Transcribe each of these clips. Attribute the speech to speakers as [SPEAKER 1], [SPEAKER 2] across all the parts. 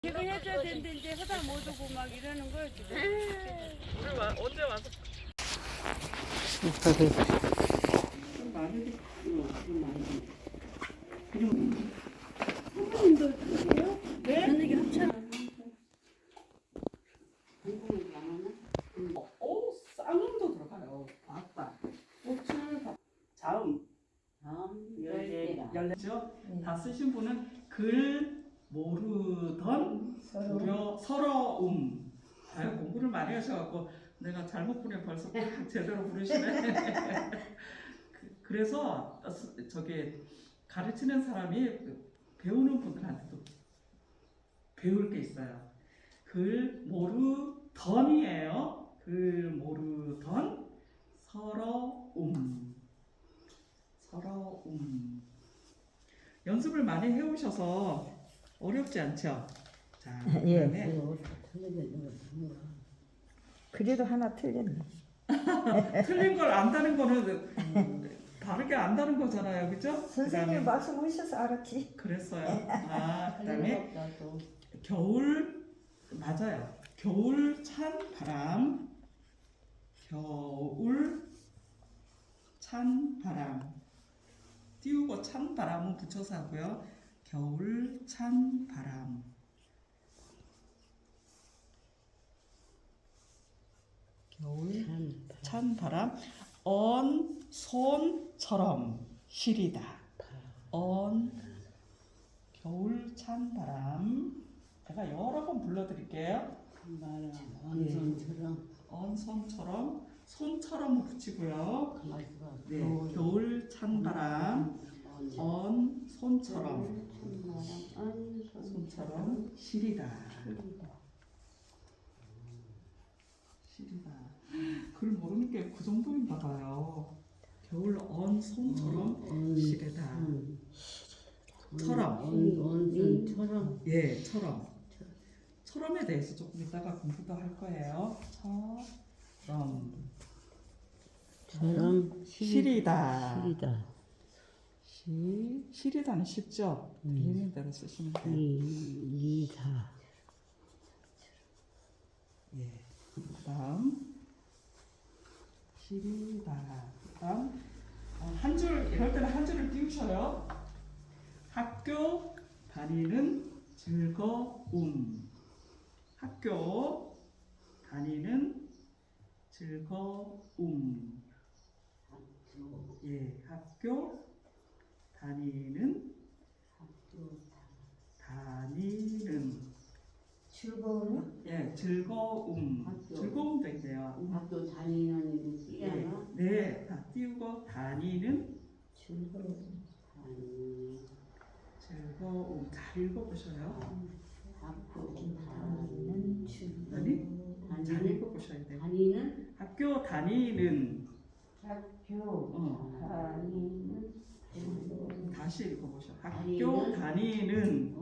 [SPEAKER 1] 이거 해줘야 되는데 이제 하다 못 오고 막 이러는 거야 지금.
[SPEAKER 2] 우리 언제 와서
[SPEAKER 1] 선생님도 드세요? 네? 저녁에 합쳐.
[SPEAKER 2] 쌍음도 들어가요. 맞다. 꽃을 자음. 열네죠. 다 쓰신 분은 글 모르던 서러움. 아유, 공부를 많이 하셔갖고 내가 잘못 부르면 벌써 딱 제대로 부르시네. 그래서 저기 가르치는 사람이 배우는 분들한테도 배울 게 있어요. 글 모르던이에요. 글 모르던 서러움. 연습을 많이 해오셔서 어렵지 않죠? 자, 그다음에
[SPEAKER 3] 그래도 하나 틀렸네.
[SPEAKER 2] 틀린 걸 안다는 거는 바르게 안다는 거잖아요, 그죠?
[SPEAKER 3] 선생님 말씀하셔서 알았지.
[SPEAKER 2] 그랬어요. 그다음에 겨울 맞아요. 겨울 찬 바람. 겨울 찬 바람. 띄우고 찬 바람은 붙여서 하고요. 겨울 찬 바람. 겨울 찬 바람. 언 손처럼 시리다. 겨울 찬 바람. 제가 여러 번 불러드릴게요. 언손처럼 손처럼 붙이고요. 네, 겨울 찬 바람. 손처럼 시리다. 글 모르는 게 그 정도인가 봐요. 겨울 손처럼 시리다. 처럼. 예, 처럼. 처럼에 대해서 조금 이따가 공부도 할 거예요. 시리다. 시리다는 쉽죠? 들리는 대로 쓰시면 돼요. 예. 그다음 시리다. 그다음 한 줄 이럴 때는 한 줄을 띄우셔요. 학교 다니는 즐거움. 학교 다니는 즐거움. 예, 학교 다니는
[SPEAKER 4] 즐거움?
[SPEAKER 2] 예, 즐거움. 즐거움도 있네요.
[SPEAKER 4] 학교 다니는 띠야나?
[SPEAKER 2] 네, 다 띄우고 다니는
[SPEAKER 4] 즐거움.
[SPEAKER 2] 즐거움. 잘 읽어보셔요.
[SPEAKER 4] 학교 다니는 즐거움.
[SPEAKER 2] 아니? 잘 읽어보셔야 돼요.
[SPEAKER 4] 다니는?
[SPEAKER 2] 학교 다니는.
[SPEAKER 4] 학교 다니는 즐거움.
[SPEAKER 2] 다시 읽어보셔. 학교 다니는.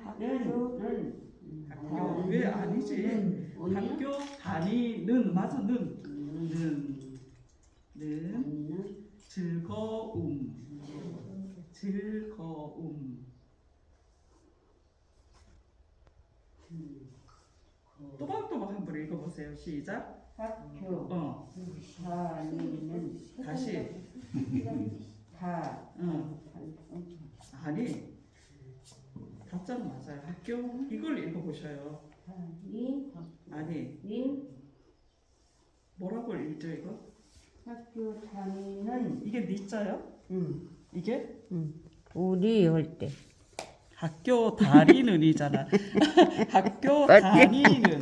[SPEAKER 2] 학교 왜 아니지? 학교 다니는 맞아 는 즐거움. 또박또박 한번 읽어보세요. 시작.
[SPEAKER 4] 학교 다니는
[SPEAKER 2] 다시. 아니 답장은 맞아요. 학교 이걸 읽어보셔요. 아니 뭐라고 읽죠 이거?
[SPEAKER 4] 학교 다니는
[SPEAKER 2] 이게 니자요? 이게?
[SPEAKER 3] 우리 할 때.
[SPEAKER 2] 학교 다니는이잖아. 학교 다니는.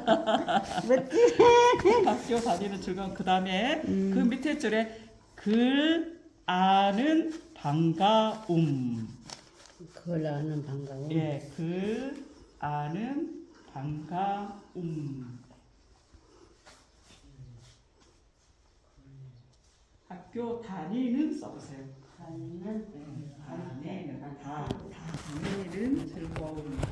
[SPEAKER 2] 학교 다니는 즐거움. 그 다음에 그 밑에 줄에 글 아는 반가움.
[SPEAKER 4] 글 아는 반가움.
[SPEAKER 2] 예, 글 아는 반가움. 학교 다니는 써보세요.
[SPEAKER 4] 다니는
[SPEAKER 2] 다니는 즐거움.